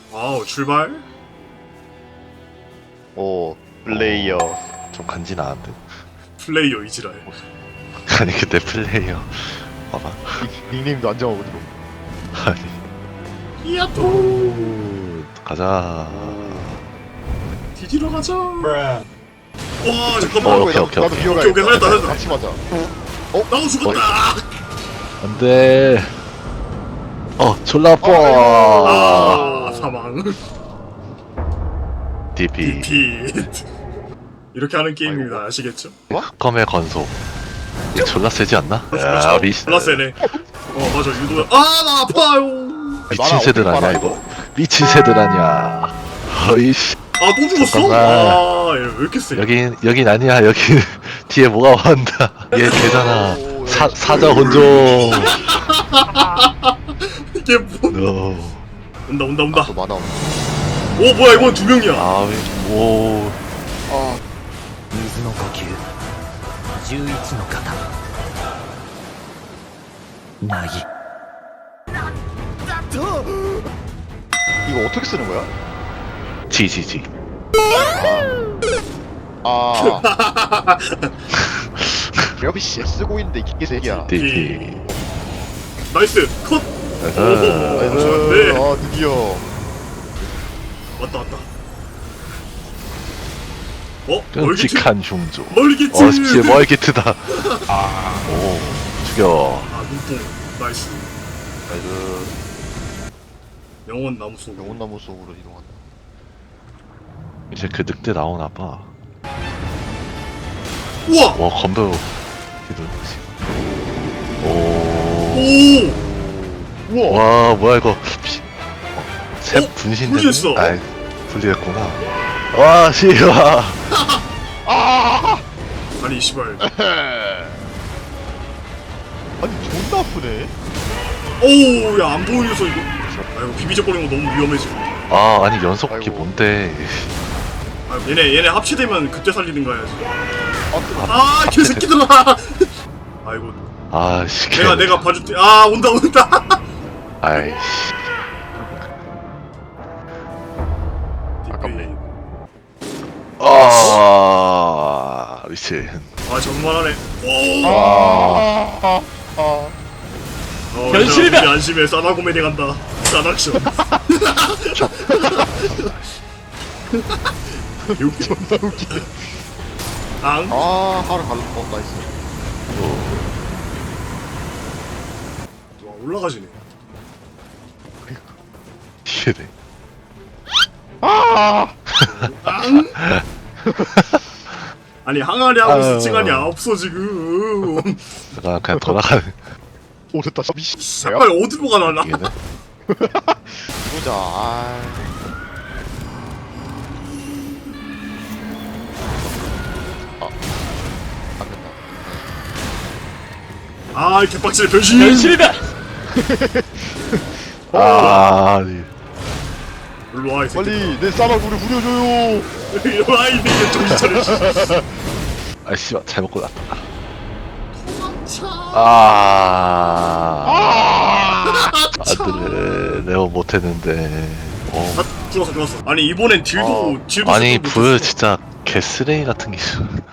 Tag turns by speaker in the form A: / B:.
A: 아우 출발.
B: 오 플레이어.
C: 좀 간지나는데.
A: 플레이어 이지랄.
C: 아니 그때 플레이어 봐봐.
B: 닉네임도 안 정하고 들어.
C: 아니
A: 이야또
C: 가자.
A: 뒤지러 가자. 와 잠깐만.
C: 오케이, 오케이,
B: 나도
C: 오케이.
B: 기어가.
A: 오케이, 살렸다.
B: 같이 맞아.
A: 나도 죽었다.
C: 안돼. 졸라 아파.
A: 아 사망.
C: DP.
A: 디핏. 이렇게 하는 게임입니다. 아시겠죠?
C: 흑검의 건소. 이거 졸라 세지 않나? 야
A: 그렇죠?
C: 우리
A: 졸라 세네. 맞아 유도. 나 아파요.
C: 미친 새들 아니야 이거. 미친 새들 아니야. 어이씨.
A: 또 죽었어?
C: 잠깐만.
A: 얘 왜 이렇게 세?
C: 여긴 아니야. 여기 뒤에 뭐가 온다. 얘 되잖아. 사자 혼종.
A: 이게 뭐?
C: No.
A: 온다.
B: 또 만화 없네.
A: 오 뭐야 이건 두 명이야.
C: 오.
D: 水の呼吸11の型なぎ
B: 이거 어떻게 쓰는 거야?
C: 지지지.
B: 여비씨 쓰고 있는데 이게 새끼야.
C: DP.
A: 나이스 컷.
B: 나이스.
A: 네.
B: 드디어.
A: 왔다. 멀기트.
C: 끔찍한 흉조.
A: 멀기트.
C: 진짜 멀기트다. 오, 죽여.
A: 눈뽕. 나이스.
B: 나이스.
A: 영원 나무 속.
B: 영혼나무 속으로 이동한다.
C: 이제 그 늑대 나오나 봐.
A: 우와.
C: 와, 검도. 오.
A: 오.
B: 우와.
C: 와, 뭐야 이거. 새 분신되네.
A: 분리했어.
C: 아이, 분리했구나. 와, 씨와.
A: 아니 씨발.
B: 아니 존나 아프네.
A: 오우 야 안 보이면서 이거. 이거 비비적거리는 거 너무 위험해 지금.
C: 아니 연속기
B: 아이고.
C: 뭔데?
A: 얘네 합치되면 그때 살리든가 해야지.
B: 아,
A: 개새끼들아. 아이고.
C: 씨.
A: 내가 봐줄게. 온다.
C: 아이씨.
B: 아깝네.
C: 미친.
A: 정말하네. 오.
D: 변신이다!
A: 이제 안심해. 싸나고메디 간다. 싸나액션.
B: 존나 웃기네.
A: 앙.
B: 하루 갈라. 나이스.
A: 와 올라가지네.
C: 이해돼.
A: 앙. 아니 항아리 하고 있을 시간이 없어 지금.
C: 내가 그냥 돌아가는.
B: 오 됐다. 미씨.
A: 빨리 어디로 가나?
C: 이게네.
B: 보자. 안 된다.
A: 개빡치네 변신.
D: 변신이다
C: 아니.
A: 일로 와 이 새끼.
B: 빨리 내 싸마구를 부려줘요.
A: 일로 와 이 새끼 정신 차려.
C: 씨발 잘 먹고 났다. 아들을 내가 못했는데.
A: 죽었어. 아니 이번엔 딜도
C: 아니
A: 못
C: 불
A: 쳤어.
C: 진짜 개쓰레기 같은 게 있어.